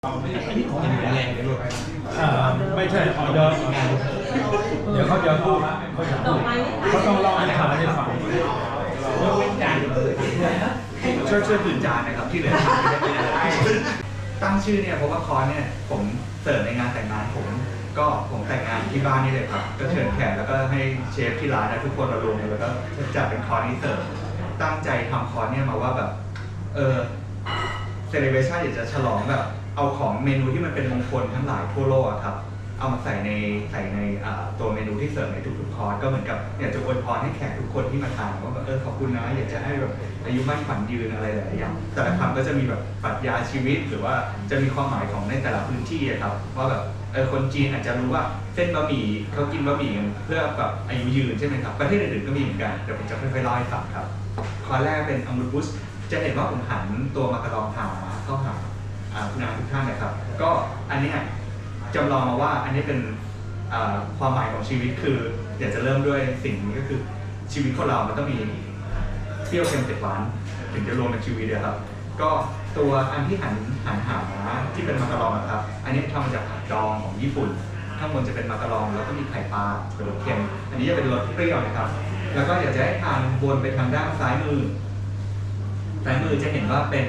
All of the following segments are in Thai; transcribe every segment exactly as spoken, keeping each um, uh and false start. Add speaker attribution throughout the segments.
Speaker 1: อันนี้ของแรงเลยลูก
Speaker 2: อ่าไม่ใช่ออเดอร์เดี๋ยวเขาจะพูดเขาจะพูดเขาต้องเล่าให้ฟังให้ฟัง
Speaker 1: ยกเว้นจาน
Speaker 3: ช่วยช่วยผืนจานนะครับที่เหลือตั้งชื่อเนี่ยเพราะว่าคอร์สเนี่ยผมเสิร์ฟในงานแต่งงานผมก็ผมแต่งงานที่บ้านนี่เลยครับก็เชิญแขกแล้วก็ให้เชฟที่ร้านทุกคนมารวมกันแล้วก็จัดเป็นคอร์สนี้เสิร์ฟตั้งใจทำคอร์สเนี่ยมาว่าแบบเออเซเลบเรชั่นอยากจะฉลองแบบเอาของเมนูที่มันเป็นมงคลทั้งหลายทั่วโลกครับเอามาใส่ในใส่ในตัวเมนูที่เสิร์ฟในทุกๆคอร์สก็เหมือนกับอยากจะอวยพรให้แขกทุกคนที่มาทานว่าแบบเออขอบคุณนะอยากจะให้แบบอายุมั่นขวัญยืนอะไรหลายอย่างแต่ละคำก็จะมีแบบปรัชญาชีวิตหรือว่าจะมีความหมายของในแต่ละพื้นที่ครับว่าแบบเออคนจีนอาจจะรู้ว่าเส้นบะหมี่เขากินบะหมี่เพื่อแบบอายุยืนใช่ไหมครับประเทศอื่นๆก็มีเหมือนกันเดี๋ยวผมจะค่อยๆเล่าให้ฟังครับคอร์สแรกเป็นอัมรุบุสจะเห็นว่าผมหันตัวมาการองหาเข้าหาคุณอาทุกท่านนะครับก็อันนี้จำลองมาว่าอันนี้เป็นความหมายของชีวิตคืออยากจะเริ่มด้วยสิ่งนี้ก็คือชีวิตของเรามันต้องมีเปรี้ยวเค็มเผ็ดหวานถึงจะรวมเป็นชีวิตเลยครับก็ตัวอันที่หันหันหาที่เป็นมาการองครับอันนี้ทำมาจากผักดองของญี่ปุ่นข้างบนจะเป็นมาการองแล้วก็มีไข่ปลาเป็นรสเค็มอันนี้จะเป็นรสเปรี้ยวนะครับแล้วก็อยากจะให้ทานวนไปทางด้านซ้ายมือซ้ายมือจะเห็นว่าเป็น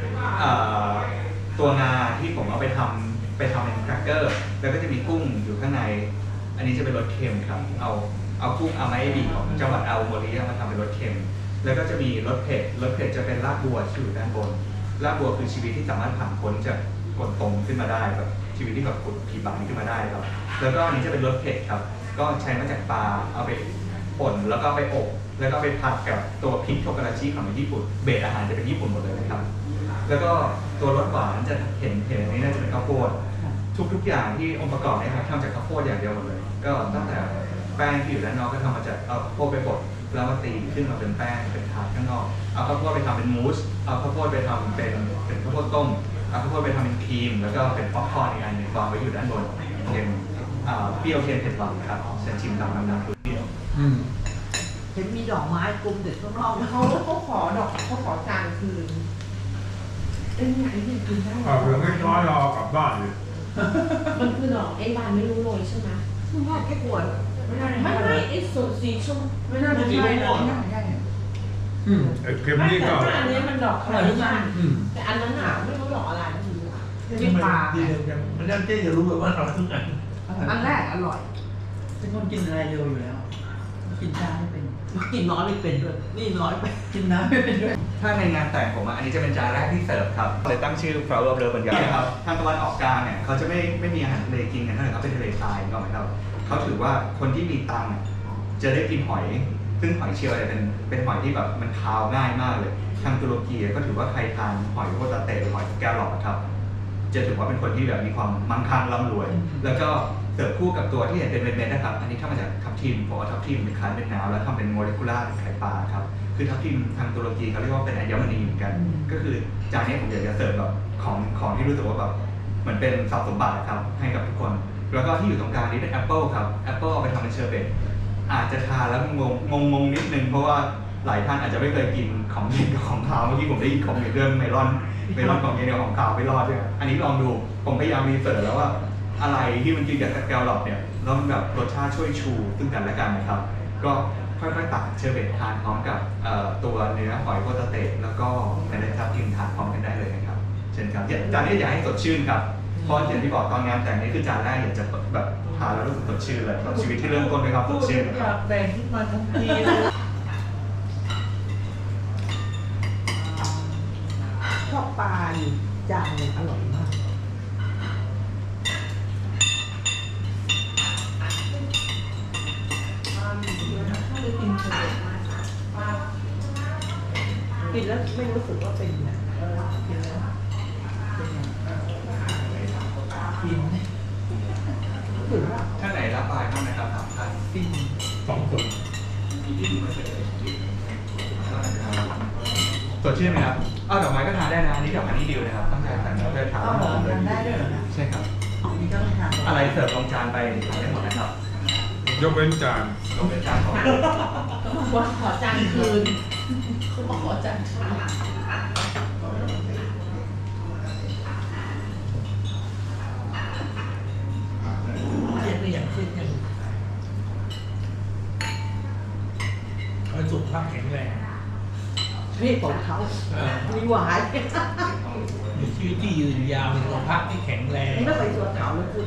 Speaker 3: ตัวงาที่ผมเอาไปทำไปทำเป็นแครกเกอร์แล้วก็จะมีกุ้งอยู่ข้างในอันนี้จะเป็นรสเค็มครับเอาเอากุ้งอามาเอบิของจังหวัดอาโอโมริมาทำเป็นรสเค็มแล้วก็จะมีรสเผ็ดรสเผ็ดจะเป็นรากบัวที่อยู่ด้านบนรากบัวคือชีวิตที่สามารถผ่านพ้นจากกดตรงขึ้นมาได้แบบชีวิตที่แบบกดผีบังขึ้นมาได้ครับแล้วก็อันนี้จะเป็นรสเผ็ดครับก็ใช้มาจากปลาเอาไปป่นแล้วก็ไปอบแล้วก็ไปผัดกับตัวพริกโทการาชิของญี่ปุ่นเบสอาหารจะเป็นญี่ปุ่นหมดเลยนะครับแล้วก็ตัวรสหวานจะเห็นเห็นนี้น่าจะเป็นข้าวโพดทุกๆอย่างที่องค์ประกอบเนี่ยครับทำจากข้าวโพดอย่างเดียวหมดเลยก็ตั้งแต่แป้งที่อยู่ด้านนอกก็ทำมาจากเอาข้าวโพดไปบดแล้วมาตีขึ้นมาเป็นแป้งเป็นถาดข้างนอกเอาข้าวโพดไปทำเป็นมูสเอาข้าวโพดไปทำเป็นเป็นข้าวโพดต้มเอาข้าวโพดไปทำเป็นครีมแล้วก็เป็นป๊อปคอร์นอีกอันหนึ่งวางไว้อยู่ด้านบนเป็นเปรี้ยวเค็มเผ็ดหวานครับเชิญชิมตามน้ำน้ำทุกเดียว
Speaker 4: เห็นมีดอกไม้กลมเด็ดข้างนอก
Speaker 5: เขาเขาขอดอกเขาขอจานคืนเป็นไงที่กินได้
Speaker 2: อ่าเรื่องไม่น้อยรอกลับบ้านเลย
Speaker 5: มันคือดอกไอ้บานไม่รู้โรยใช่ไหม
Speaker 4: คุณพ่อแค่ปวด
Speaker 5: ไม่ได้ไม่ไม่ไอ้ส่วนสีชมไม่น่าจะ
Speaker 4: ใช่
Speaker 5: นะไม่น่าใช่
Speaker 2: อืมไอ้เค็มนี่ก็
Speaker 5: อันนี้มันดอกอะไรกันแต่อันนั้นหนาไม่รู้ดอกอะไร
Speaker 4: ที่ปลา
Speaker 1: มันยังเจ๊จะรู้แบบว่าเราทุกอัน
Speaker 4: อันแรกอร่อย
Speaker 1: เป็นคนกินอะไรเร็วอยู่แล้วกินชาไม่เป็น
Speaker 4: กินน้อยไม่เป็นด้วยนี่น้อยไป
Speaker 1: กินน้ำไม่เป็นด้วย
Speaker 3: ถ้าในงานแต่งผมอันนี้จะเป็นจานแรกที่เสิร์ฟครับเลยตั้งชื่อ Flower of Love เหมือนกันครับทางตะวันออกกลางเนี่ยเขาจะไม่ไม่มีอาหารทะเลกินกันเท่าไหร่เขาเป็นทะเลทรายก็หมายความเขาถือว่าคนที่มีตังค์จะได้กินหอยซึ่งหอยเชลล์เนี่ยเป็นเป็นหอยที่แบบมันคาวง่ายมากเลยทางตุรกีก็ถือว่าใครทานหอยโคตาเตะหรือหอยแก้วหลอดครับจะถือว่าเป็นคนที่แบบมีความมั่งคั่งร่ำรวยแล้วก็เสิร์ฟคู่กับตัวที่เห็นเป็นเม็ดๆนะครับอันนี้ทำมาจากทับทิมเพราะว่าทับทิมเป็นคล้ายเป็นน้ำแล้วทำเป็นโมเลกุลาร์เป็นไข่ปลาครับคือทับทิมทางตุรกีเขาเรียกว่าเป็นอัญมณีเหมือนกันก็คือจานนี้ผมอยากจะเสิร์ฟแบบของของที่รู้สึกว่าแบบเหมือนเป็นทรัพย์สมบัติครับให้กับทุกคนแล้วก็ที่อยู่ตรงกลางนี้เป็นแอปเปิลครับแอปเปิลเอาไปทำเป็นเชอร์เบตอาจจะทานแล้วงงงงงนิดนึงเพราะว่าหลายท่านอาจจะไม่เคยกินของเย็นกับของคาวเมื่อกี้ผมได้ยินของเย็นเรื่องเมลอนเมลอนของเย็นกับของคาวไม่รอดใช่ไหมอันนี้ลองดูผมพยายามรีเสิร์ชแล้วว่าอะไรที่มันกินกับแกลลอปเนี่ยแล้วมันแบบรสชาติช่วยชูซึ่งกันและกันนะครับก็ค่อยๆตักเชอร์เบตทานพร้อมกับตัวเนื้อหอยโคตาเตะแล้วก็เมล็ดทับทิมทานพร้อมกันได้เลยนะครับเช่นครับจานนี้อยากให้สดชื่นครับเพราะอย่างที่บอกตอนงานแต่งนี้คือจานแรกอยากจะแบบทานแล้วรู้สึกสดชื่นเลยชีวิตที่เริ่มต้นด้วยครับสดชื่น
Speaker 5: อยากแต่งขึ้นมาทั้งที
Speaker 4: ชอบปลาอยู่จานนึงอร่อยมากกินแล้วไม่รู้สึกว่าเป็นนะกินแล้ว
Speaker 1: กิน
Speaker 4: ถือว่า
Speaker 3: ท่านไหนรับปลายบ้างนะครับสามท่าน
Speaker 1: ปิ้ง
Speaker 2: สองคน
Speaker 3: สดชื่นไหมครับอ้าวดอกไม้ก็ทานได้นะนี่ดอกไม้นี่ดิวนะครับตั้งใจแต่งแล้วจะทาน
Speaker 4: เลยได้ด้วยเหรอ
Speaker 3: ใช่ครับ
Speaker 4: นี่ก็ทาน
Speaker 3: อะไรเสิร์ฟลงจานไปทานได้หมดนะครับ
Speaker 2: ยกเว้นจาน
Speaker 3: ยกเว้นจานของ
Speaker 5: ว่าขอจานคืนเขาบอกขอจานคืน
Speaker 2: ภาพแข็งแรง
Speaker 4: นี่ของเขา
Speaker 2: เออ
Speaker 4: มีหวาน
Speaker 2: มีชีวิตที่ยืนยาวมีสุขภาพที่แข็งแรง
Speaker 4: นี่ไม่ไปสวนเขาเลยคุณ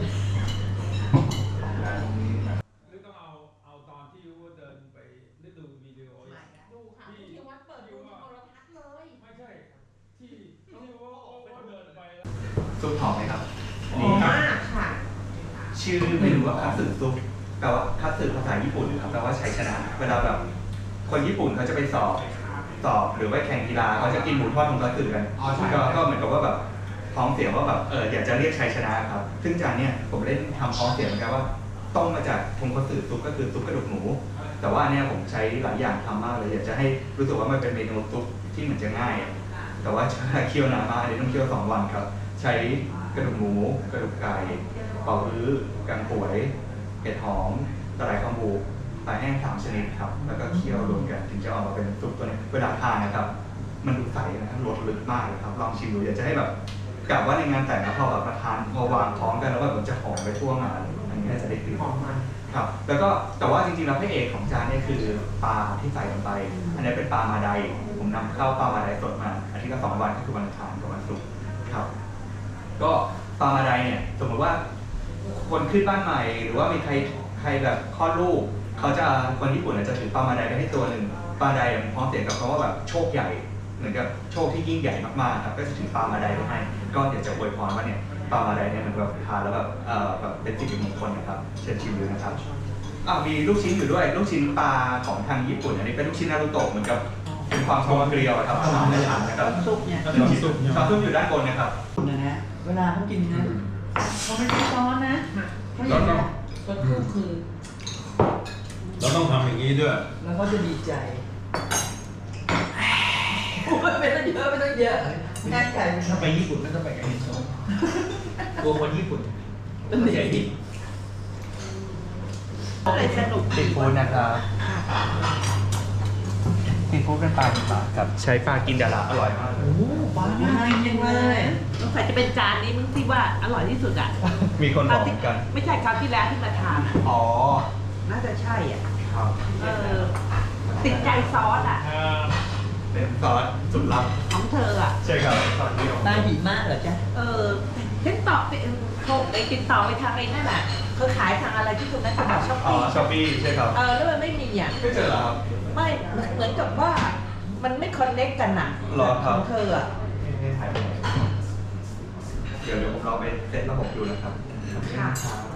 Speaker 2: หรือต้องเอาเอาตอนที่ว่าเดินไปได้ดูวิดีโอ
Speaker 5: ดูค่ะที่วัดเปิดดูที่โทรทัศน์เลย
Speaker 2: ไม่ใช่ที่ที่ว่าว่าเดินไปแล้ว
Speaker 3: ซุปหอมไหมครับ
Speaker 5: หอมมากค่ะ
Speaker 3: ชื่อไม่รู้ว่าคัตสึซุปแปลว่าคัตสึภาษาญี่ปุ่นครับแปลว่าชัยชนะ เวลาแบบคนญี่ปุ่นเขาจะไปสอบสอบหรือว่าแข่งกีฬาเขาจะกินหมูทอดของคัตสึกันก็ก็เหมือนกับว่าแบบพ้องเสียงว่าแบบเอออยากจะเรียกชัยชนะครับซึ่งจานเนี้ยผมเล่นทำพ้องเสียงเหมือนกันว่าต้มมาจากทงคัตสึซุปก็คือซุปกระดูกหมูแต่ว่าเนี่ยผมใช้หลายอย่างทำมากเลยอยากจะให้รู้สึกว่ามันเป็นเมนูซุปที่เหมือนจะง่าย แต่ว่าใช้เคี่ยวนานมากเลยต้องเคี่ยวสองวันครับใช้กระดูกหมูกระดูกไก่เป่าฮื้อกังป่วยเห็ดหอมตะไลข้าวหมูปลาแห้งสามชนิดครับแล้วก็เคี่ยวรวมกันถึงจะออกมาเป็นซุปตัวนี้เวลาทานนะครับมันดูใสนะครับรสลึกมากเลยครับลองชิมดูอยากจะให้แบบกะว่าในงานแต่งแล้วพอแบบมาทานพอวางพร้อมกันแล้วแบบมันจะหอมไปทั่วงานอันนี้น่าจะได้กลิ่น
Speaker 5: หอมมัน
Speaker 3: ครับแล้วก็แต่ว่าจริงๆแล้วพระเอกของจานเนี่ยคือปลาที่ใส่ลงไปอันนี้เป็นปลามาไดผมนำเข้าปลามาไดสดมาอาทิตย์ละสองวันก็คือวันอังคารกับวันศุกร์ครับก็ปลามาไดเนี่ยสมมติว่าคนขึ้นบ้านใหม่หรือว่ามีใครใครแบบคลอดลูกเขาจะคนญี่ปุ่นอาจจะถือปลามาไดไปให้ตัวหนึ่งปลาไดมันพร้อมเสียงกับคำว่าแบบโชคใหญ่เหมือนกับโชคที่ยิ่งใหญ่มากๆครับก็จะถือปลามาไดไปให้ก็อยากจะอวยพรว่าเนี่ยปลามาไดเนี่ยมันแบบทานแล้วแบบเอ่อแบบเป็นสิ่งมงคลนะครับเชิญชิมดูนะครับอ่ามีลูกชิ้นอยู่ด้วยลูกชิ้นปลาของทางญี่ปุ่นอันนี้เป็นลูกชิ้นนารูโตะเหมือนกับเป็นความกลมเกลียวครับขนาดไม่หนานะครับ
Speaker 1: ซุปเนี่ย
Speaker 3: น้ำซุปน้ำซุปอยู่ด้านบนนะครับ
Speaker 1: นะฮะเวลาเขากินนะเขาไม่ได้ซ้อนนะเขาอ
Speaker 2: เรา
Speaker 1: ย่าง
Speaker 2: ต้อ
Speaker 1: นี้
Speaker 2: ง
Speaker 1: ก็คือคือ
Speaker 2: เราต้องทำอย่างนี้ด้วย
Speaker 1: แล้วเขาจะดีใจโอ้ยไม่ต้องเยอะไม่ต้องเยอะง่ายใจ
Speaker 2: ถ้าไปญี่ปุ่นก็ต้องไปกับเฮนโซตัวคนญี่ปุ่น
Speaker 1: เป็นเด็ก
Speaker 4: อะไรสนุก
Speaker 3: ซีฟู้ดนะครับซีฟู้ดเป็นปลาเป็นปลาครับใช้ปลากินดาราอร่อยมากเลย
Speaker 1: โอ้โหปลาง่ายจริงเลย
Speaker 4: สงสัยจะเป็นจานนี้มึงที่ว่าอร่อยที่สุดอ่ะ
Speaker 3: มีคนบอกเหมือนกัน
Speaker 4: ไม่ใช่คราวที่แล้วที่มาทานอ่ะ
Speaker 3: อ๋อ
Speaker 4: น่าจะใช่อ่ะ
Speaker 3: ครับ
Speaker 4: เออ ติดใจซอสอ่ะ
Speaker 3: เป็นซอสสุดลับ
Speaker 4: ของเธออ่ะ
Speaker 3: ใช่ครับซอสนี้ของ
Speaker 1: ปลาหิมะเหรอจ๊ะ
Speaker 4: เออเห็นต่อไปโทรไปติดต่อไปทางไอ้นั่นอ่ะเขาขายทางอะไรที่ตรงนั้นตลาดช้อป
Speaker 3: อ๋อ
Speaker 4: ปี้
Speaker 3: ช้อปปี้ใช่ครับ
Speaker 4: เออแล้วมันไม่มีอ่ะ
Speaker 3: ไม่เจอเหรอครับ
Speaker 4: ไม่เหมือนกับว่ามันไม่คอนเน็กกันอ่ะ
Speaker 3: หรอครับ
Speaker 4: ของเธออ่ะ
Speaker 3: เดี๋ยวเดี๋ยวผมลองไปเซตระบบดูนะครับ
Speaker 4: ค่ะ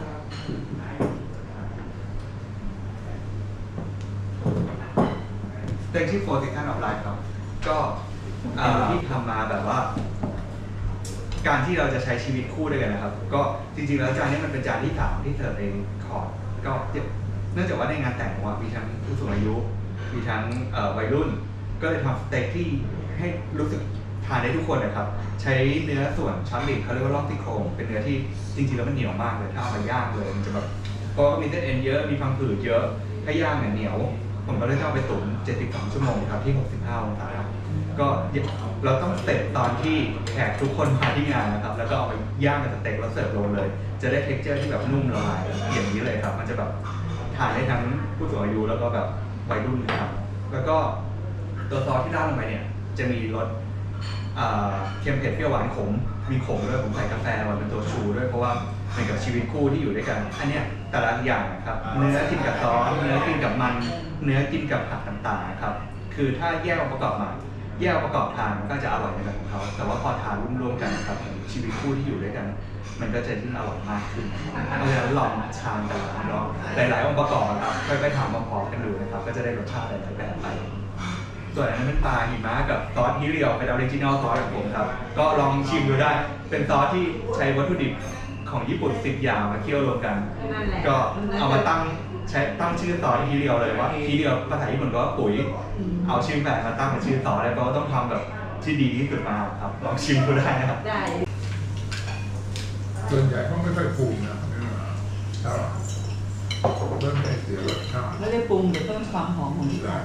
Speaker 3: เพลงที่โฟร์ติคันออฟไลน์ครับ ก็เอ่อที่ทำมาแบบว่า การที่เราจะใช้ชีวิตคู่ด้วยกันนะครับ ก็จริงๆแล้วจานนี้มันเป็นจานที่สามที่เสิร์ฟเองคอร์ดก็เนื่องจากว่าในงานแต่งของว่ามีทั้งผู้สูงอายุ มีทั้งเอ่อวัยรุ่น ก็เลยทำสเต็กที่ให้รู้สึกทานได้ทุกคนนะครับ ใช้เนื้อส่วนช้อนลิงเขาเรียกว่าล่องซี่โครงเป็นเนื้อที่จริงๆแล้วมันเหนียวมากเลยถ้าเอามาย่างเลยมันจะแบบเพราะว่ามีเส้นเอ็นเยอะมีพังผืดเยอะถ้าย่างเนี่ยเหนียว ผมก็เลยต้องเอาไปตุ๋นเจ็ดสิบสองชั่วโมงครับที่หกสิบห้าองศาก็เราต้องสเต็ปตอนที่แขกทุกคนมาที่งานนะครับ แล้วก็เอาไปย่างเป็นสเต็กแล้วเสิร์ฟลงเลย จะได้เท็กเจอร์ที่แบบนุ่มละลายอย่างนี้เลยครับ มันจะแบบทานได้ทั้งผู้สูงอายุแล้วก็แบบวัยรุ่นนะครับ แล้วก็ตัวซอสที่ราดลงไปเนี่ยจะมีรสเอ่อเค็มเผ็ดเปรี้ยวหวานขมมีขมด้วยผมใส่กาแฟมาเป็นตัวชูด้วยเพราะว่าเหมือนกับชีวิตคู่ที่อยู่ด้วยกัน อันเนี้ยแต่ละอย่างนะครับเนื้อกินกับซอสเนื้อกินกับมันเนื้อกินกับผักต่างๆนะครับคือถ้าแยกองค์ประกอบมาแยกองค์ประกอบทานมันก็จะอร่อยในแบบของเขาแต่ว่าพอทานร่วมๆกันนะครับชีวิตคู่ที่อยู่ด้วยกัน มันก็จะยิ่งอร่อยมากขึ้นเพราะฉะนั้นลองทานกันลองหลายๆองค์ประกอบนะครับค่อยๆทำพร้อมๆกันดูนะครับก็จะได้รสชาติหลายๆแบบไป ส่วนอันนั้นเป็นปลาหิมะกับซอสฮิเรียวเป็นออริจินอลซอสของผมครับ ก็ลองชิมดูได้ เป็นซอสที่ใช้วัตถุดิบของญี่ปุ่นสิบอย่างมาเคี่ยวรวมกัน
Speaker 4: นั่นแหละ
Speaker 3: ก็เอามาตั้งใช้ตั้งชื่อซอสฮิเรียวเลยว่าฮิเรียวภาษาญี่ปุ่นก็ว่าปุ๋ย เอาชื่อแบบมาตั้งเป็นชื่อซอสแล้วก็ต้องทำแบบที่ดีที่สุดมาครับ ลองชิมดูได้นะครับ
Speaker 4: ได้
Speaker 6: ส่วนใหญ่เขาไม่ค่อยปรุงนะใช่ป่ะเริ่มไม่เสียรสชาติ
Speaker 1: ไม่ได้ปรุงแต่เพิ่มความหอมของ
Speaker 6: ได้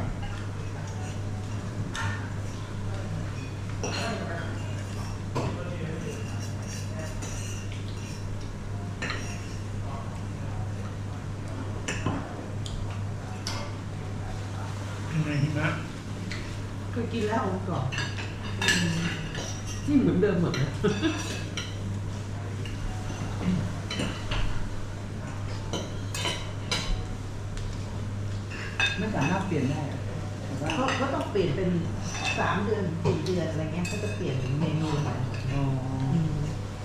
Speaker 3: อืม
Speaker 2: นะ
Speaker 4: เคยกินแล้วองค์ก่อนนี่เหมือนเดิมหมดเลย
Speaker 1: ไม่สามารถเปลี่ยนได้อะแต่ว่า
Speaker 4: เขาเขาต้องเปลี่ยนเป็นสามเดือนสี่เดือนอะไรเงี้ยเขาจะเปลี่ยนเมนูใหม่
Speaker 1: อ๋อ
Speaker 4: อืม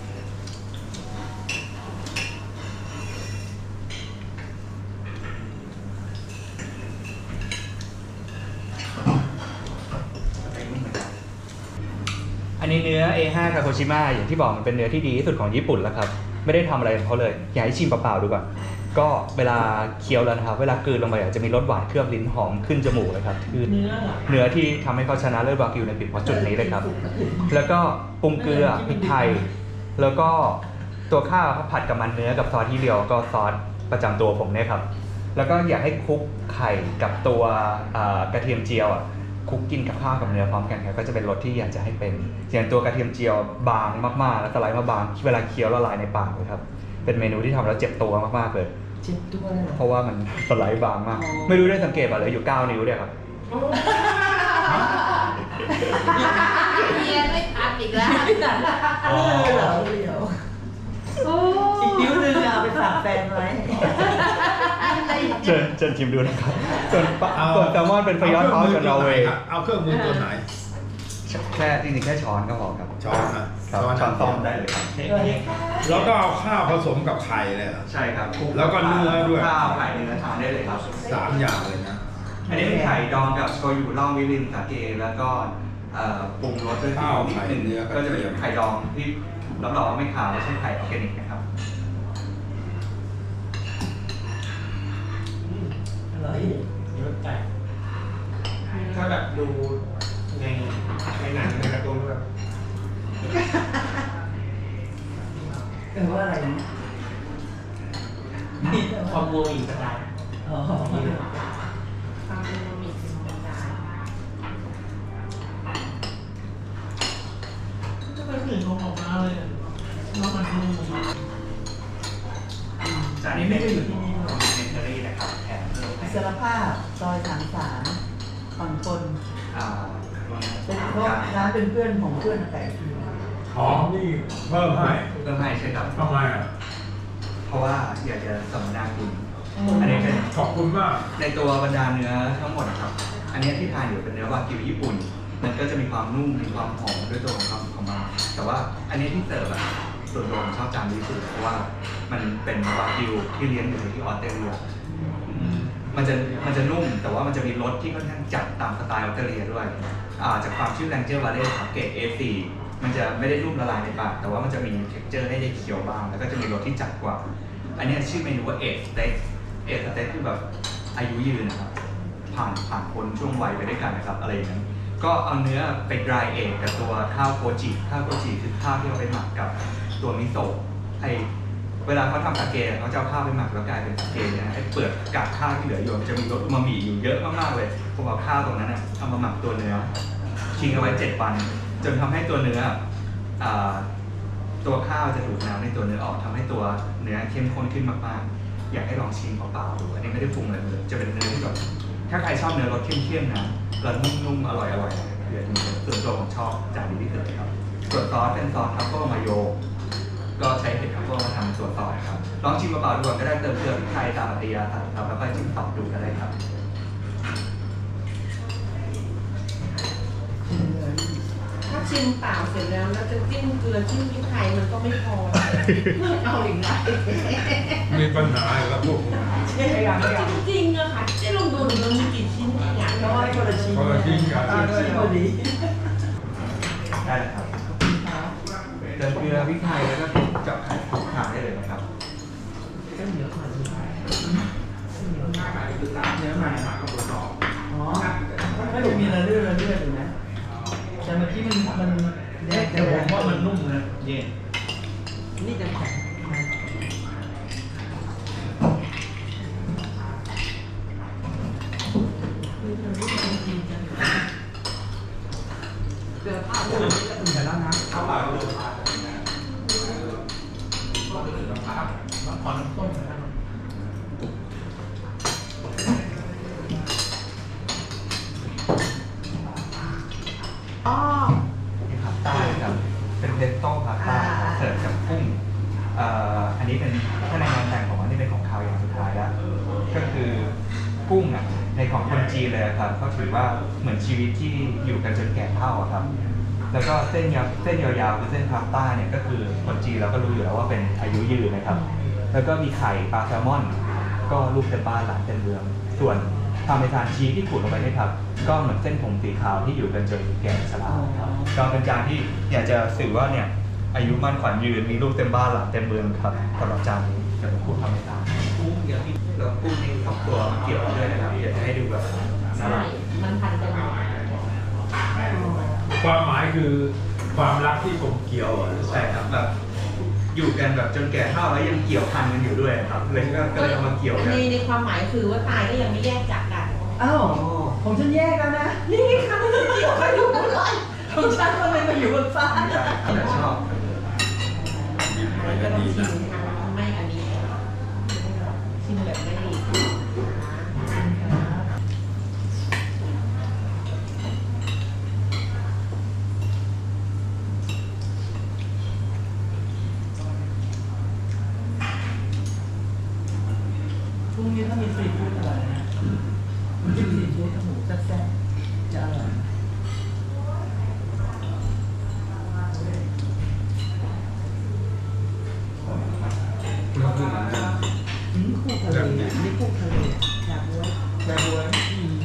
Speaker 3: อันนี้เนื้อ เอ ห้า คาโคชิมะอย่างที่บอกมันเป็นเนื้อที่ดีที่สุดของญี่ปุ่นแล้วครับไม่ได้ทำอะไรกับเขาเลยอยากให้ชิมเปล่าๆดูก่อนก็เวลาเคี้ยวแล้วนะครับเวลากลืนลงไปจะมีรสหวานเคลือบลิ้นหอมขึ้นจมูกเลยครับคือ
Speaker 1: เนื้อเหรอ
Speaker 3: เนื้อที่ทำให้เขาชนะเลิศวากิวในปีเพราะจุดนี้เลยครับ แล้วก็ปรุงเกลือพริกไทย แล้วก็ตัวข้าวเขาผัดกับมันเนื้อกับซอสที่เดียวก็ซอสประจำตัวผมเนี่ยครับแล้วก็อยากให้คลุกไข่กับตัวอ่ากระเทียมเจียวอ่ะคลุกกินกับข้าวกับเนื้อพร้อมกันครับก็จะเป็นรสที่อยากจะให้เป็นอย่างตัวกระเทียมเจียวบางมากๆแล้วสไลด์มาบางเวลาเคี้ยวละลายในปากเลยครับเป็นเมนูที่ทำแล้วเจ็บตัวมากๆเลย
Speaker 1: เจ็บตัวเลยเหรอ
Speaker 3: เพราะว่ามันสไลด์บางมาก
Speaker 1: อ๋อ
Speaker 3: ไม่รู้ได้สังเกตป่ะเลยอยู่เก้านิ้วเนี่ยครับ
Speaker 4: เรียนไม่ทันอีกแล้ว
Speaker 1: เออเหรอเดี๋ยวอีกนิ้วนึงอะเอาไปฝากแฟนไว้
Speaker 3: เชิญเชิญชิมดูนะครับส่วนปลาส่วนแซลมอนเป็นฟยอดทอสกับนอร์เวย์
Speaker 6: เอาเครื่องมือตัวไหน
Speaker 3: แค่จริงๆแค่ช้อนก็พอครับ
Speaker 6: ช้อนนะ
Speaker 3: ครับช้อนซ้อมได้เลยครับ
Speaker 6: แล้วก็เอาข้าวผสมกับไข่เลยเหรอ
Speaker 3: ใช่ครับ
Speaker 6: แล้วก็เนื้อด้วย
Speaker 3: ข้าวไข่เนื้อทานได้เลยครับ
Speaker 6: สามอย่างเลยนะ
Speaker 3: อันนี้เป็นไข่ดองกับโชยุล่องมิรินสาเกแล้วก็เอ่อปรุงรสด้วยซีอิ๊วนิดนึงก็จะเป็นไข่ดองที่รับรองว่าไม่ขาวและใช้ไข่ออร์แกนิกนะครับ
Speaker 1: อร่อย
Speaker 2: รสจัดถ้าแบบดูในในหนังในการ์ตูนแบบ
Speaker 1: เออว่าอะไรนะ
Speaker 2: คอมโบอีกสไตล์
Speaker 1: อ๋อ
Speaker 4: ทำเป็นบะหมี่ธรรมดา
Speaker 1: ก็เป็นกลิ่นของออกมาเลยน้องมันนุ่ม
Speaker 3: จานนี้เป็นอยู่ที่นี่ของเมนเทอรี่นะครับแถมเพิ่มให้
Speaker 1: อิสรภาพซอยสามสามฝั่งคน
Speaker 3: อ่า
Speaker 1: เป็นเพราะร้านเป็นเพื่อนของเพื่อนแต่ที
Speaker 6: หอมนี่เพิ่มให้
Speaker 3: เพิ่มให้ใช่ครับ
Speaker 6: ทำไมอ่ะ
Speaker 3: เพราะว่าอยากจะสมนาคุณอันนี้เป็น
Speaker 6: ขอบคุณมาก
Speaker 3: ในตัวบรรดาเนื้อทั้งหมดนะครับ อันนี้ที่ทานอยู่เป็นเนื้อวากิวญี่ปุ่น มันก็จะมีความนุ่ม มีความหอมด้วยตัวของความของมัน แต่ว่าอันนี้ที่เสิร์ฟอะส่วนตัวผมชอบจานนี้สุดเพราะว่ามันเป็นวากิวที่เลี้ยงอยู่ที่ออสเตรเลียมันจะมันจะนุ่ม แต่ว่ามันจะมีรสที่ค่อนข้างจัดตามสไตล์ออสเตรเลียด้วย อ่าจากความชื่อแรงเจอร์วาเล่ครับเกรด เอ โฟร์ มันจะไม่ได้นุ่มละลายในปาก แต่ว่ามันจะมีเท็กเจอร์ให้ได้เคี้ยวบ้าง แล้วก็จะมีรสที่จัดกว่า อันนี้ชื่อเมนูว่าเอทสเต็ก เอทสเต็กคือแบบอายุยืนนะครับ ผ่านผ่านพ้นช่วงวัยไปด้วยกันนะครับ อะไรอย่างนั้น ก็เอาเนื้อไปดรายเอทกับตัวข้าวโคจิ ข้าวโคจิคือข้าวที่เอาไปหมักกับตัวมิโซะไอเวลาเขาทำสาเกะเขาจะเอาข้าวไปหมักแล้วกลายเป็นสาเกะนะไอเปลือกกากข้าวที่เหลืออยู่มันจะมีรสอูมามิอยู่เยอะมากๆเลยผมเอาข้าวตรงนั้นนะเอามาหมักตัวเนื้อทิ้งเอาไว้เจ็ดวันจนทำให้ตัวเนื้ออ่าตัวข้าวจะดูดน้ำในตัวเนื้อออกทำให้ตัวเนื้อเข้มข้นขึ้นมากๆอยากให้ลองชิมเปล่าๆดูอันนี้ไม่ได้ปรุงอะไรเลยจะเป็นเนื้อที่แบบถ้าใครชอบเนื้อรสเข้มๆนะแล้วนุ่มๆอร่อยๆเดี๋ยวนี้ส่วนตัวผมชอบจานนี้ที่สุดครับส่วนซอสเป็นซอสทัฟเฟิลมาโยก็ใช้เห็ดทัฟเฟิลมาทำส่วนซอสครับลองชิมเปล่าๆดูก่อนก็ได้เติมเกลือพริกไทยตามอัตยาศัยครับแล้วก็จิ้มต่อดูก็ได้ครับ
Speaker 4: ถ้าชิมเปล่าเสร็จแล้วแล้วจะจิ้มเกลือจิ้มพริกไทยมันก็ไม่พอเอาอีกนะ
Speaker 6: มีปัญหาอีกแล้วพวกคุณ
Speaker 1: ใช่ไหมครับ
Speaker 4: จริงๆอะค่ะที่ลองดูมันมีกี่ชิ้นกี่อย่าง
Speaker 1: เพราะว่าคนละชิ้น
Speaker 6: คนละชิ้นกัน
Speaker 1: ชิ้นพอดี
Speaker 3: ได้เลยครับเติมเกลือพริกไทยแล้วก็เจาะไข่คลุกทานได้เลยนะครับ
Speaker 1: ก็เหนียวหน่อยเหนียวมากเนื้อใหม่อ๋อถ้าดูมีระเลื่อนระเลื่อนอยู่นะแต่เมื่อกี้มันมันแยก
Speaker 2: แต่ผมว่ามันนุ่มนะเย็น
Speaker 1: นี่จะแข็ง
Speaker 4: เกลือข้าวจะไม่ละเอียดแล้วนะ
Speaker 2: ข้าวเปล่าก็เลยมาขอน้ำส้มนะครับ
Speaker 3: อเอ่ออันนี้เป็นถ้าในงานแต่งผมอันนี้เป็นของคาวอย่างสุดท้ายแล้วก็คือกุ้งอ่ะในของคนจีนเลยครับเขาถือว่าเหมือนชีวิตที่อยู่กันจนแก่เฒ่าอะครับแล้วก็เส้นยาวเส้นยาวๆคือเส้นพาสต้าเนี่ยก็คือคนจีนเราก็รู้อยู่แล้วว่าเป็นอายุยืนนะครับแล้วก็มีไข่ปลาแซลมอนก็ลูกเต็มบ้านหลานเต็มเมืองส่วนพาเมซานชีสที่ขูดลงไปนี่ครับก็เหมือนเส้นผมสีขาวที่อยู่กันจนแก่ชราครับก็เป็นจานที่อยากจะสื่อว่าเนี่ยอายุมั่นขวัญยืนมีลูกเต็มบ้านหลานเต็มเมืองครับสำหรับจานนี้เดี๋ยวผมพูดพาเมซานกุ้งเยอะที่แล้วกุ้งนี่สองตัวมันเกี่ยวกันด้วยนะครับอยากจะให้ดูแบบน่า
Speaker 4: ใช่
Speaker 3: รัก
Speaker 4: มันพันกันหมด
Speaker 6: ความหมายคือความรักที่กลมเกลียวอ่ะ
Speaker 3: ใช่ครับแบบอยู่กันแบบจนแก่เฒ่าแล้วยังเกี่ยวพันกันอยู่ด้วยครับเลยก็ก็เลยเอามาเกี่ยวกัน
Speaker 4: ในในความหมายคือว่าตายก็ยังไม่แยกจากกัน
Speaker 1: อ้าวของฉันแยกแล้วนะ
Speaker 4: นี่ไงคะมันเกี่ยวกันอยู่บนลอยของฉันมันเลยมาอยู่บนฟ้า
Speaker 3: ไม่ได้แต่ชอบ
Speaker 6: มันก็ดีนะ
Speaker 4: ไม่อันนี้ชิมแบบไม่ดี
Speaker 1: พรุ่งนี้ถ้ามีซีฟู้ดอร่อยนะมันจะมีซีฟู้ดกับหมูแซ่บๆจะอร่อย
Speaker 6: มันคือเหมือนกัน
Speaker 1: อืมคู่ทะเลนี่คู่ทะเลอยากรู้อยากรู้อืม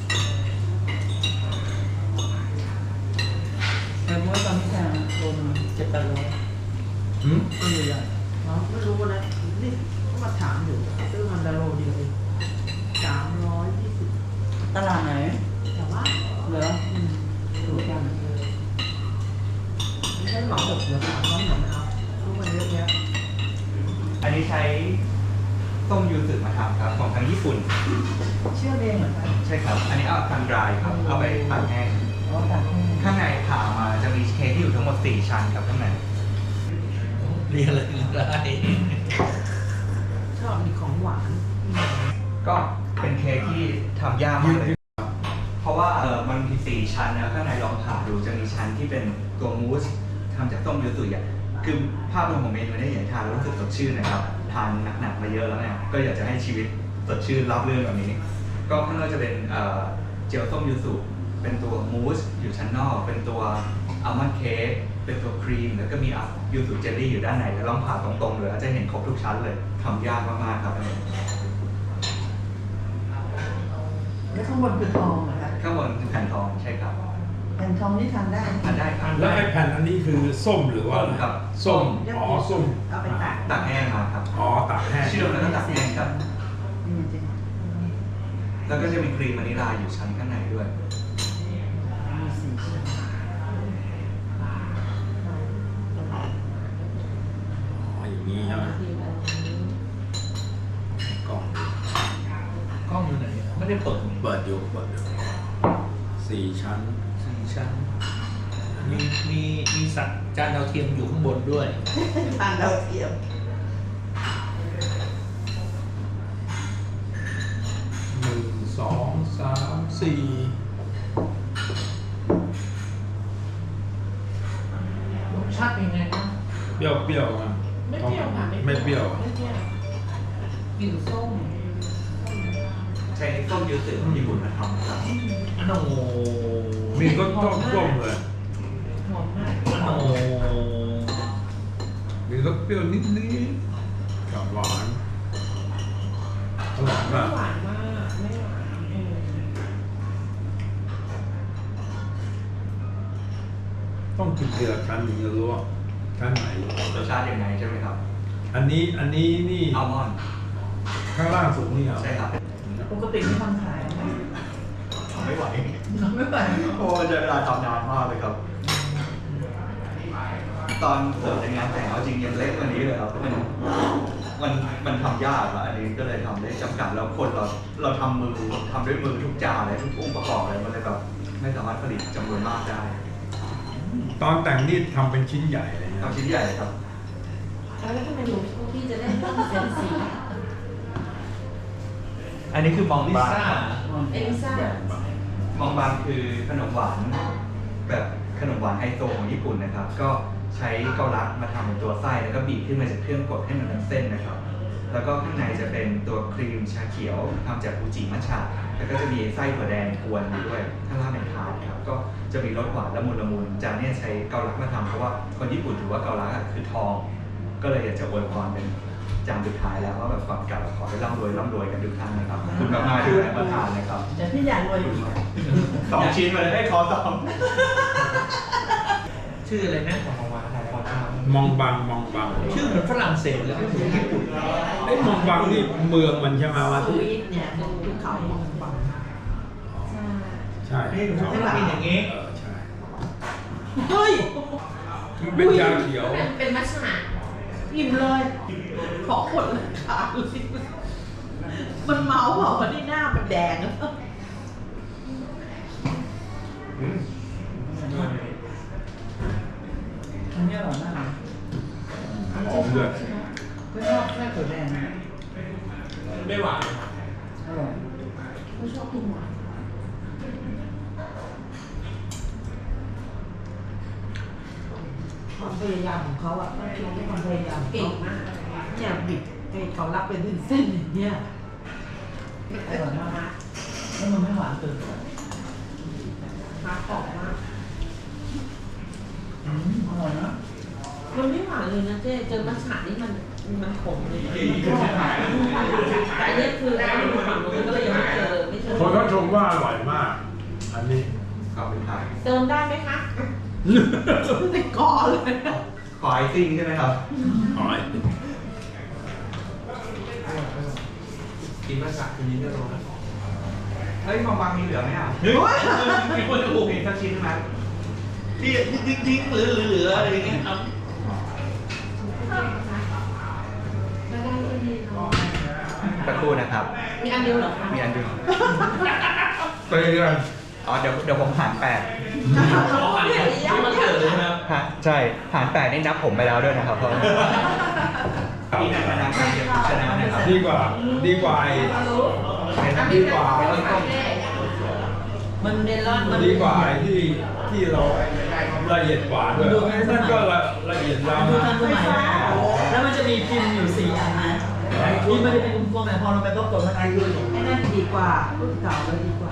Speaker 1: อยากรู้ตอนนี้แพงรวมเจ็ดแปดร้อย
Speaker 6: หืม
Speaker 1: ตัวใหญ่ๆอ๋อไม่รู้นะนี่เขามาถามอยู่ซื้อมันดาโลเดียวเองสามร้อยยี่สิบตลาดไหน
Speaker 4: แต่ว่า
Speaker 1: เหรออืมดูกันไม่ใช่หมาหกเหรอสามร้อยเหรอนะครับรู้มันเยอะแยะ
Speaker 3: อันนี้ใช้ต้มยูสึมาทำครับของทางญี่ปุ่น
Speaker 1: เชื่อเองเหมือนกัน
Speaker 3: ใช่ครับ อันนี้เอาทำดรายครับเอาไปตากแห้ง
Speaker 1: อ๋อต่าง
Speaker 3: ข้างในผ่ามาจะมีเค้กที่อยู่ทั้งหมดสี่ชั้นครับข้างใน
Speaker 2: เรียนอะไรได้
Speaker 1: ชอบมีของหวาน
Speaker 3: ก็เป็นเค้กที่ทำยากมากเลย เพราะว่าเออมันมีสี่ชั้นนะข้างในลองผ่าดูจะมีชั้นที่เป็นตัวมูสทำจากต้มยูสุอ่ะคือภาพรวมของเมนูเนี่ยอยากทานแล้วรู้สึกสดชื่นนะครับทานหนักๆมาเยอะแล้วเนี่ยก็อยากจะให้ชีวิตสดชื่นรับเรื่องแบบนี้ ก็ข้างนอกจะเป็นเอ่อเจลส้มยูสุเป็นตัวมูสอยู่ชั้นนอก เป็นตัวอัลมอนด์เค้กเป็นตัวครีมแล้วก็มียูสุเจลลี่อยู่ด้านในแล้วลองผ่าตรงๆเลยจะเห็นครบทุกชั้นเลยทำยากมากๆครับอันนี้
Speaker 1: แล้วข้างบนคือทองเหรอคะ
Speaker 3: ข้างบนคือแผ่นทองใช่ครับ
Speaker 1: แผ่นทองนี่ทานได้ไหม
Speaker 3: ทานได้ครับ
Speaker 6: แล้วไอ้แผ่นอันนี้คือส้มหรือว่าอะไร
Speaker 3: ครับ
Speaker 6: ส้ม อ๋อ ส้ม
Speaker 1: เอาไปตาก
Speaker 3: ตากแห้งมาครับ
Speaker 6: อ๋อตากแห้ง
Speaker 3: เชื่อมแล้วก็ตากแห้งครับ
Speaker 1: นี่จริง
Speaker 3: แล้วก็จะมีครีมวานิลลาอยู่ชั้นข้างในด้วย
Speaker 1: มีสีชั้น
Speaker 6: อ๋อ อย่างนี้ใช่ไหมกล้อง
Speaker 2: กล้องอยู่ไหนไม่ได้เปิด
Speaker 6: เปิดอยู่เปิดอยู่สี่ชั้น
Speaker 2: สี่ชั้นมีมีมีสัตว์จานดาวเทียมอยู่ข้างบนด้วย
Speaker 1: ทานดาวเทียม
Speaker 6: หนึ่งสองสามสี่
Speaker 5: รสชาติเป็นไงบ้าง
Speaker 6: เปรี้ยวเปรี้ยวๆนะ
Speaker 5: ไม่เปรี้ยวค่ะ
Speaker 6: ไม่เปรี้ยว
Speaker 5: ไม่เปรี้ยวกลิ่นส้ม
Speaker 3: ใช้ส้มยูสึของญี่ปุ่นมาทำครับ
Speaker 2: โน
Speaker 6: มีรสต้มส้มเลย
Speaker 5: หอมมาก
Speaker 2: โน
Speaker 6: มีรสเปรี้ยวนิดนิดกับหวานอร่อย
Speaker 5: ไม่
Speaker 6: มาก
Speaker 5: หวานมากไม่หวานเออ
Speaker 6: ต้องกินทีละชั้นถึงจะรู้ว่าชั้นไหน
Speaker 3: รสชาติยังไงใช่ไหมครับ
Speaker 6: อันนี้อันนี้นี่
Speaker 3: อัลมอนด์
Speaker 6: ข้างล่างสุดนี่เหรอ
Speaker 3: ใช่ครับ
Speaker 1: ปกติไม่ทำขายไหม
Speaker 3: ไม่ไหว
Speaker 1: ไม่ไหว
Speaker 3: โอ้ใช้เวลาทำนานมากเลยครับ ตอนเสิร์ฟในงานแต่งเอาจริงยังเล็กกว่านี้เลยครับมันมันมันทำยากอะอันนี้ก็เลยทำได้จำกัดแล้วคนเราเราทำมือทำด้วยมือทุกจานเลยทุกองค์ประกอบเลยมันเลยแบบไม่สามารถผลิตจำนวนมากได้
Speaker 6: ตอนแต่งนี่ทำเป็นชิ้นใหญ่เลยนะ
Speaker 3: ทำชิ้นใหญ่ครับ
Speaker 4: แล้วทำไมหนูพี่จะได้ต้องเซนสี
Speaker 3: อันนี้คือมอง
Speaker 2: ลิ
Speaker 3: บาง
Speaker 2: ซ่า
Speaker 3: ครับ
Speaker 4: เอลิซ่า
Speaker 3: มองบางคือขนมหวานแบบขนมหวานไฮโซของญี่ปุ่นนะครับ ก็ใช้เกาลัดมาทำเป็นตัวไส้แล้วก็บีบขึ้นมาจากเครื่องกดให้มันเป็นเส้นนะครับ แล้วก็ข้างในจะเป็นตัวครีมชาเขียวทำจากอูจิมัทฉะแล้วก็จะมีไส้ถั่วแดงกวนอยู่ด้วยข้างล่างเป็นทาร์ตครับก็จะมีรสหวานละมุนละมุนจานนี้ใช้เกาลัดมาทำเพราะว่าคนญี่ปุ่นถือว่าเกาลัดอะคือทอง ก็เลยอยากจะอวยพรเป็นจานสุดท้ายแล้วว่าแบบก่อนกลับขอให้ร่ำรวยร่ำรวยกันทุกท่านนะครับขอบคุณมากๆที่ได้มาทานนะครับ
Speaker 1: แต่พี่อยากรวยอยู่
Speaker 3: สองชิ้นมาเลยให้ขอสอง
Speaker 1: ชื่ออะไรนะของของวาของของวาม
Speaker 2: องบังมองบัง
Speaker 1: ชื่อเหมือนฝรั่งเศสเลยไม่เหมือนญี่ปุ่น
Speaker 2: ไอ้มองบังนี่เมืองมันใช่ไหมว่า
Speaker 4: ส
Speaker 2: ที่
Speaker 4: วีทเนี่ยเป็นภูเขามองบัง
Speaker 2: ใช่
Speaker 1: เฮ้ยมันจะกินอย่างงี้
Speaker 2: เออใช่
Speaker 1: เฮ้ย
Speaker 2: มันเป็นยาเขียว
Speaker 4: เป็นเป็นมัชฉะอิ่มเลยขอคนละขาเลยมันเมาเปล่าวันนี้หน้ามันแดงอะ
Speaker 1: อันนี้อร่อยมากเลย
Speaker 2: หอมด้วย
Speaker 1: ก็ชอบแค่ถั่วแดงนะ
Speaker 2: ไม่หวาน
Speaker 1: อร่อย
Speaker 4: ไม่ชอบกินหวาน
Speaker 5: ความพยายามของเขาอ่ะต้องคิดว่าความพยายาม
Speaker 4: เก่งมาก
Speaker 5: เนี่ยบิดไอ้เขารับเป็นเส้นๆอย่างเงี้ย
Speaker 1: อร่อยมากแล้วมันไม่หวานเกินไป
Speaker 4: ฟ้าตอบมาก
Speaker 1: อืมอร่อยนะ
Speaker 4: มันไม่หวานเลยนะเจ๊เจอมัชฉะนี่มันมันขมเลยแต่อันนี้คือเราอยู่ฝั่งนู้นก็เลยยังไม่เจอไม่เจอ
Speaker 6: คนเขาชมว่าอร่อยมาก อันนี้
Speaker 3: ขอบคุณครับ
Speaker 4: เติมได้ไหมคะติดคอเลย
Speaker 3: ขอไอซิ่งใช่ไหมครับ
Speaker 2: หอย
Speaker 1: กินมาสักทีนี้ก็รู้นะ
Speaker 3: เฮ้ยมองบางมีเหลือไหมอ่ะ
Speaker 1: เฮ้ยมีคนดู
Speaker 3: มีสักชิ้นไหม
Speaker 1: ที่ทิ้งทิ้งๆเหลือเหลืออะไรอย่างเงี้ยครับ
Speaker 4: ไม่ได้ไม่ดีเนาะ
Speaker 3: สักครู่นะครับ
Speaker 4: มีอันเดียวเหรอคะ
Speaker 3: มีอันเดียว
Speaker 6: เตยกัน
Speaker 3: อ๋อเดี๋ยวเดี๋ยวผมหารแปด
Speaker 1: ขอหันที่มันเกิดเลยนะครับ
Speaker 3: ฮะใช่หารแปดนี่นับผมไปแล้วด้วยนะครับเพราะมีแต่พนักงานเดียวชนะนะครับ
Speaker 2: ดีกว่าดีกว่าไอ้ ดีกว่า
Speaker 4: มันเมลอนมัน
Speaker 2: ดีกว่าไอ้ที่ที่เราละเอียดกว่าด้วยนั่นก็ละละเอียดยาว
Speaker 1: ดู
Speaker 2: นะ
Speaker 1: ทันสมัยนะแล้วมันจะมีพิมพ์อยู่สี่อันนะพิมพ์มันจะเป็นกลมๆแต่พอเราไปประกดมันคือ
Speaker 5: ไอ้นั่นดีกว่ารุ่นเก่าแล้วดีกว่า